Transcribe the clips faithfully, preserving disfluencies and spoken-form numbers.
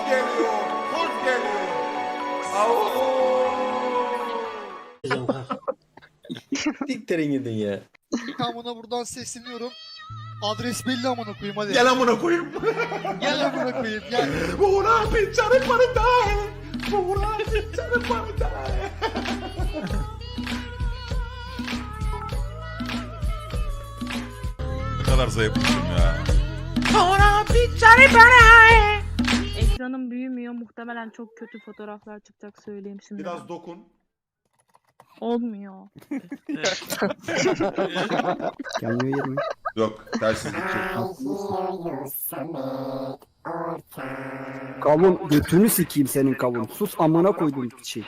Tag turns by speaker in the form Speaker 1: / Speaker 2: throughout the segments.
Speaker 1: geliyor, kurt geliyor. Au.
Speaker 2: Diktirin gidin ya.
Speaker 3: Amına buradan sesleniyorum. Adres belli amına koyayım hadi.
Speaker 1: Gel amına koyayım.
Speaker 3: Gel amına koyayım gel.
Speaker 1: Una picciare paritare. Una picciare paritare. Ne kadar zayıfmışım ya.
Speaker 4: Ekranım büyümüyor. Muhtemelen çok kötü fotoğraflar çıkacak, söyleyeyim şimdi.
Speaker 1: Biraz dokun.
Speaker 4: Olmuyor.
Speaker 5: Gelmiyor yerine.
Speaker 1: Yok, tersiz gidecek.
Speaker 5: Kavun götünü sikeyim senin kavun. Sus amına koydum şey.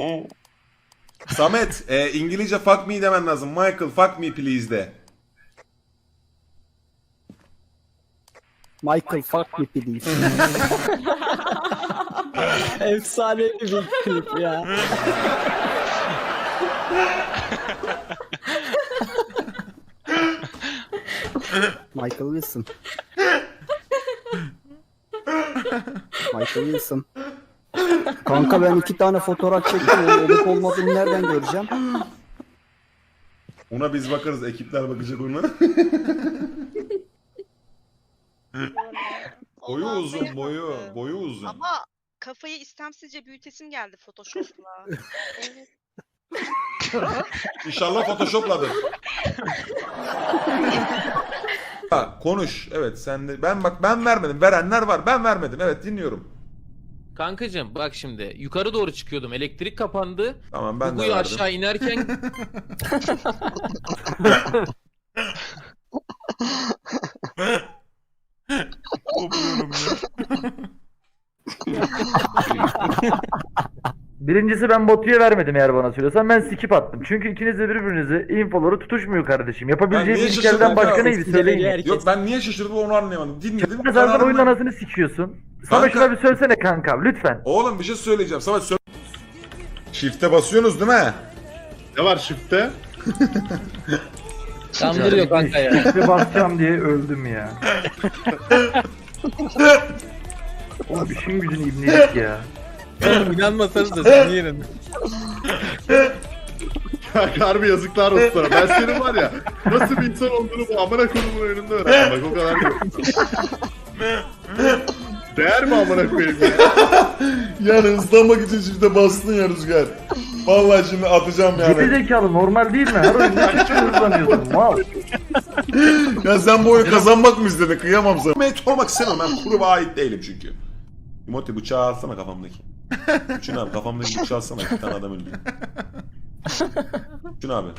Speaker 1: Samet, e, İngilizce fuck me demen lazım. Michael, fuck me please de.
Speaker 5: Michael fuck me please.
Speaker 2: Efsanevi bir klip ya.
Speaker 5: Michael Wilson. Michael Wilson. Kanka ben iki tane fotoğraf çektim. Olup olmadığını nereden göreceğim?
Speaker 1: Ona biz bakarız, ekipler bakacak ona. Boyu uzun, boyu, boyu uzun.
Speaker 6: Ama kafayı istemsizce büyütesim geldi Photoshop'la. Evet.
Speaker 1: İnşallah Photoshop'ladır. Ha, konuş. Evet sen de. Ben bak ben vermedim. Verenler var. Ben vermedim. Evet dinliyorum.
Speaker 7: Kankacım bak şimdi yukarı doğru çıkıyordum. Elektrik kapandı.
Speaker 1: Tamam ben de
Speaker 7: Gugu'yu
Speaker 1: verdim.
Speaker 7: aşağı inerken
Speaker 1: Kopuyorum ya.
Speaker 8: Birincisi ben Batu'ya vermedim eğer bana söylüyorsan. Ben skip attım. Çünkü ikiniz de birbirinizi infoları tutuşmuyor kardeşim.
Speaker 1: Ben
Speaker 8: Yapabileceğim
Speaker 1: niye
Speaker 8: ilk
Speaker 1: şaşırdım
Speaker 8: elden
Speaker 1: ya?
Speaker 8: başka neydi söyleyin.
Speaker 2: Herkes...
Speaker 1: Yok ben niye şaşırdım onu anlayamadım. Dinledim.
Speaker 8: Sen zaten
Speaker 1: kararımı-
Speaker 8: oyunun anasını sikiyorsun. Sana
Speaker 1: Kanka-
Speaker 8: şuna bir söylesene kanka lütfen.
Speaker 1: Oğlum bir şey söyleyeceğim. Sana söyle. Shift'e basıyorsunuz değil mi?
Speaker 9: Ne var shift'te?
Speaker 7: kandırıyor kanka ya.
Speaker 8: İşte basacağım diye öldüm ya. Oğlum işin gücün ibnelik ya.
Speaker 7: Oğlum inanmasanız da senin yerin.
Speaker 9: Ya harbi yazıklar olsun sana. Ben senin var ya nasıl bir insan olduğunu bu amına koyduğumun önünde öğrendim. Bak o kadar yok. Değer mi amına koyayım ya?
Speaker 1: Yani hızlanmak için shift'e bastın ya Rüzgar. Vallahi şimdi atacağım
Speaker 8: Geri
Speaker 1: yani.
Speaker 8: zekalı normal değil mi? Her oyunda hiç hızlanıyorsun mal.
Speaker 1: Ya sen bu oyunu kazanmak mı istedin? Kıyamam sana. Ben sormak istemem. Ben gruba ait değilim çünkü. Timothy bıçağı alsana kafamdaki. Üçün abi kafamdaki bıçağı alsana. Bir tane adam öldü. Üçün abi.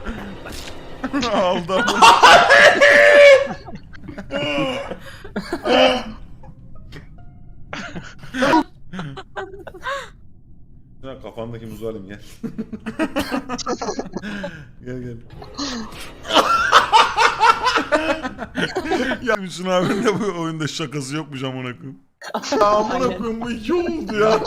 Speaker 1: Aldım. Ya kafandaki muzu alayım gel. Gel gel. Ya Müslüm abinin de bu oyunda şakası yokmuş amına koyayım. Ya amına koyayım bu iki oldu ya.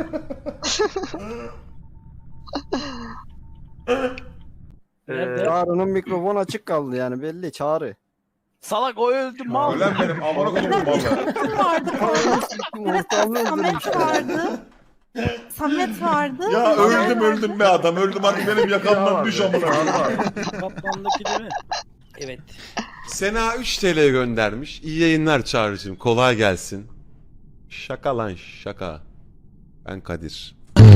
Speaker 8: Ee,
Speaker 5: Çağrı'nın mikrofon açık kaldı yani belli Çağrı.
Speaker 2: Salak o öldü mal.
Speaker 1: Ölen benim amına koyayım valla.
Speaker 5: Ortamı
Speaker 4: Samet vardı. Samet vardı.
Speaker 1: Ya öldüm öldüm be adam öldüm hadi benim yakamdan düş amına koyayım.
Speaker 2: Kaplandaki değil mi? Evet.
Speaker 10: Sena üç T L göndermiş. İyi yayınlar Çağrı'cığım. Kolay gelsin. Şaka lan şaka. Ben Kadir.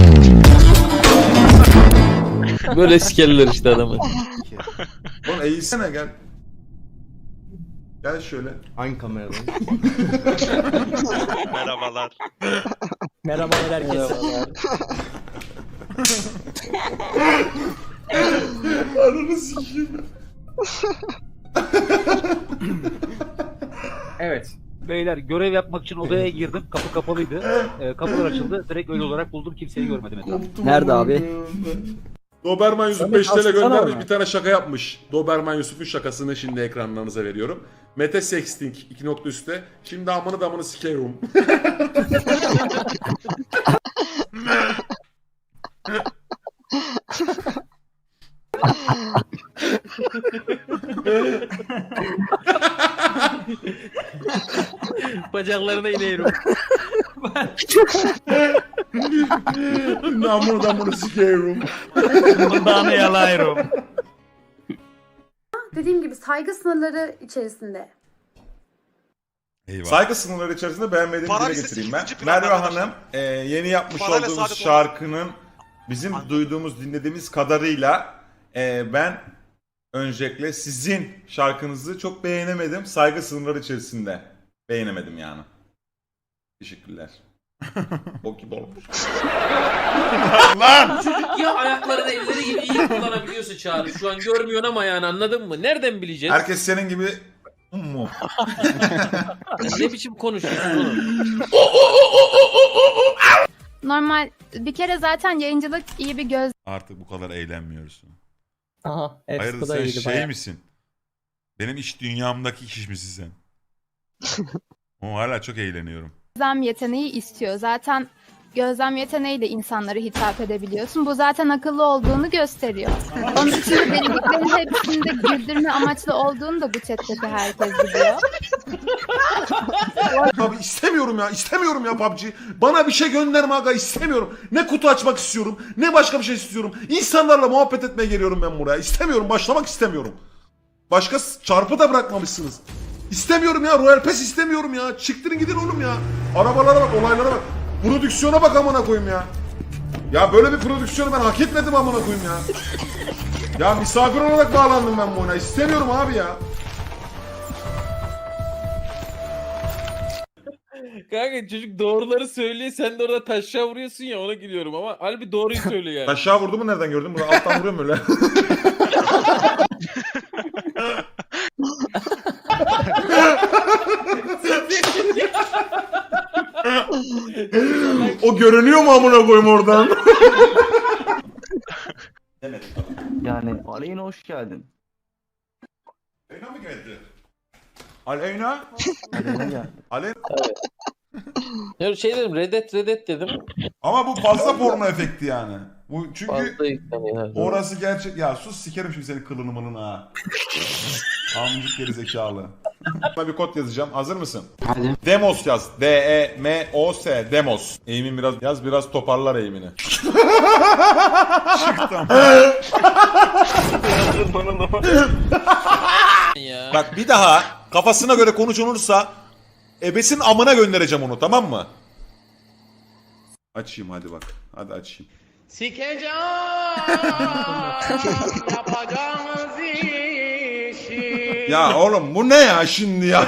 Speaker 7: Böyle sikerler işte adamı.
Speaker 1: Oğlum eğilsene gel. Gel şöyle.
Speaker 2: Hangi kameradayım?
Speaker 9: Merhabalar.
Speaker 2: Merhabalar herkese.
Speaker 1: Ananı sikeyim.
Speaker 11: Evet. Beyler görev yapmak için odaya girdim. Kapı kapalıydı. Ee, kapılar açıldı. Direkt öyle olarak buldum. Kimseyi görmedim etrafta.
Speaker 5: Nerede abi?
Speaker 1: Doberman Yusuf
Speaker 5: Samet
Speaker 1: beş T L
Speaker 5: atsana
Speaker 1: göndermiş
Speaker 5: bana.
Speaker 1: bir tane şaka yapmış. Doberman Yusuf'un şakasını şimdi ekranlarınıza veriyorum. Mete Sexting iki nokta üstte. Şimdi amını damını sikerim.
Speaker 7: Bacaklarına inerim.
Speaker 1: Namını damını sikerim.
Speaker 2: Bundan yalayırım.
Speaker 4: Dediğim gibi saygı sınırları içerisinde.
Speaker 10: Eyvah.
Speaker 1: Saygı sınırları içerisinde beğenmediğimi
Speaker 9: Para
Speaker 1: dile
Speaker 9: listesi
Speaker 1: getireyim ben.
Speaker 9: ikinci planda
Speaker 1: Merve
Speaker 9: arkadaşlar.
Speaker 1: Hanım e, yeni yapmış
Speaker 9: Parayla
Speaker 1: olduğumuz
Speaker 9: saadet
Speaker 1: şarkının bizim duyduğumuz, dinlediğimiz kadarıyla e, ben öncelikle sizin şarkınızı çok beğenemedim. Saygı sınırları içerisinde beğenemedim yani. Teşekkürler. Bok gibi olmuş. Lan!
Speaker 7: Çocuk ya ayaklarını elleri gibi iyi kullanabiliyorsa Çağrı. Şu an görmüyorsun ama yani anladın mı? Nereden bileceğiz?
Speaker 1: Herkes senin gibi mu?
Speaker 7: Ne biçim konuşuyorsun oğlum?
Speaker 4: Normal bir kere zaten yayıncılık iyi bir göz.
Speaker 10: Artık bu kadar eğlenmiyoruz.
Speaker 2: Aha.
Speaker 10: Hayır sen şey misin? Benim iş dünyamdaki kişi misin sen? Ama hala çok eğleniyorum.
Speaker 4: Gözlem yeteneği istiyor. Zaten gözlem yeteneğiyle insanlara hitap edebiliyorsun. Bu zaten akıllı olduğunu gösteriyor. Onun için dediklerin hepsinde güldürme amaçlı olduğunu da bu chatteki herkes biliyor.
Speaker 1: Abi istemiyorum ya, istemiyorum ya P U B G. Bana bir şey gönderme aga, istemiyorum. Ne kutu açmak istiyorum, ne başka bir şey istiyorum. İnsanlarla muhabbet etmeye geliyorum ben buraya. İstemiyorum, başlamak istemiyorum. Başka s- çarpı da bırakmamışsınız. İstemiyorum ya, Royal Pass istemiyorum ya. Çıktırın gidin oğlum ya. Arabalara bak, olaylara bak. Prodüksiyona bak amına koyayım ya. Ya böyle bir prodüksiyonu ben hak etmedim amına koyayım ya. Ya misafir olarak bağlandım ben bu oyuna. İstemiyorum abi ya.
Speaker 7: Kanka çocuk doğruları söylüyor, sen de orada taşa vuruyorsun ya, ona gülüyorum ama halbuki doğruyu söylüyor yani.
Speaker 1: Aşağı vurdu mu nereden gördün? Burada alttan vuruyorum öyle. O görünüyor mu amına koyayım oradan?
Speaker 2: Yani Aleyna hoş geldin.
Speaker 1: Aleyna mı geldi? Aleyna?
Speaker 2: Aleyna geldi.
Speaker 1: Aleyna?
Speaker 7: Ya şey dedim, reddet reddet dedim.
Speaker 1: Ama bu fazla porno efekti yani. Bu çünkü
Speaker 7: Fazla yükleniyor.
Speaker 1: orası gerçek. Ya sus sikerim şimdi senin kılını mılını ha. Amcık geri zekalı. Sana bir kod yazacağım. Hazır mısın?
Speaker 2: Hadi.
Speaker 1: Demos yaz. D E M O S. Demos. Eğimin biraz yaz, biraz toparlar eğimini. Çıktım.
Speaker 7: Ya.
Speaker 1: Bak bir daha kafasına göre konuşulursa ebesin amına göndereceğim onu, tamam mı? Açayım hadi bak. Hadi açayım.
Speaker 7: Sikeceğim yapacağımız işi.
Speaker 1: Ya oğlum bu ne ya şimdi ya?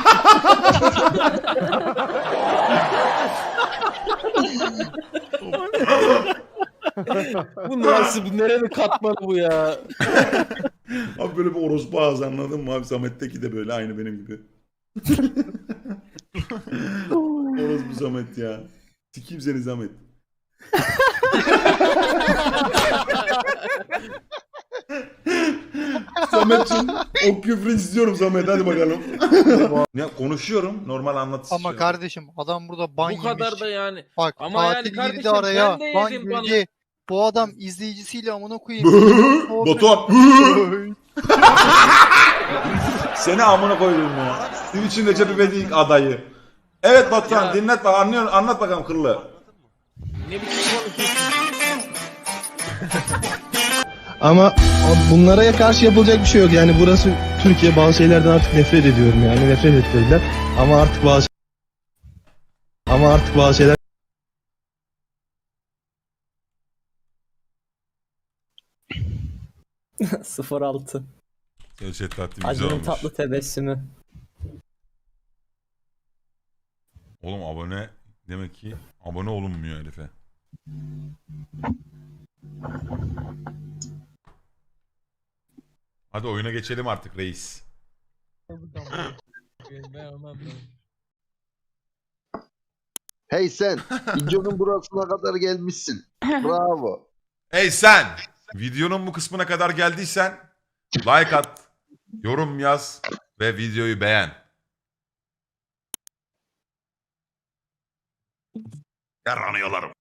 Speaker 7: Bu nasıl, bu nerenin katmanı bu ya?
Speaker 1: Abi böyle bir orospu ağzı, anladın mı abi? Samet'teki de böyle aynı benim gibi. Orospu Samet ya. Sikeyim seni Samet. Samet'cim o küfrü istiyorum Samet, hadi bakalım. Ya konuşuyorum, normal anlatış.
Speaker 3: Ama kardeşim adam burada ban
Speaker 7: Bu kadar
Speaker 3: yemiş.
Speaker 7: da yani.
Speaker 3: Bak
Speaker 7: Ama yani
Speaker 3: katil
Speaker 7: kardeşim,
Speaker 3: girdi araya.
Speaker 7: ben de
Speaker 3: Ban
Speaker 7: yedim banı.
Speaker 3: girdi. Bu adam izleyicisiyle amına koyayım.
Speaker 1: Batuhan. Seni amına koydum ya. Twitch'in Recep İvedik adayı. Evet Batuhan,
Speaker 7: Ya.
Speaker 1: dinlet bak, anlıyor, anlat bakalım kıllı.
Speaker 7: Ne biçim konuşuyorsun?
Speaker 12: Ama bunlara karşı yapılacak bir şey yok. Yani burası Türkiye, bazı şeylerden artık nefret ediyorum yani. Nefret ettirdiler. Ama artık bazı ama artık bazı şeyler
Speaker 2: sıfır altı.
Speaker 10: Gerçek tatlı güzel
Speaker 2: Acının
Speaker 10: olmuş.
Speaker 2: tatlı tebessümü.
Speaker 10: Oğlum abone demek ki abone olunmuyor herife. Hadi oyuna geçelim artık reis.
Speaker 12: Hey sen, videonun burasına kadar gelmişsin. Bravo.
Speaker 10: Hey sen! Videonun bu kısmına kadar geldiysen like at, yorum yaz ve videoyu beğen. Yaranıyorlarım.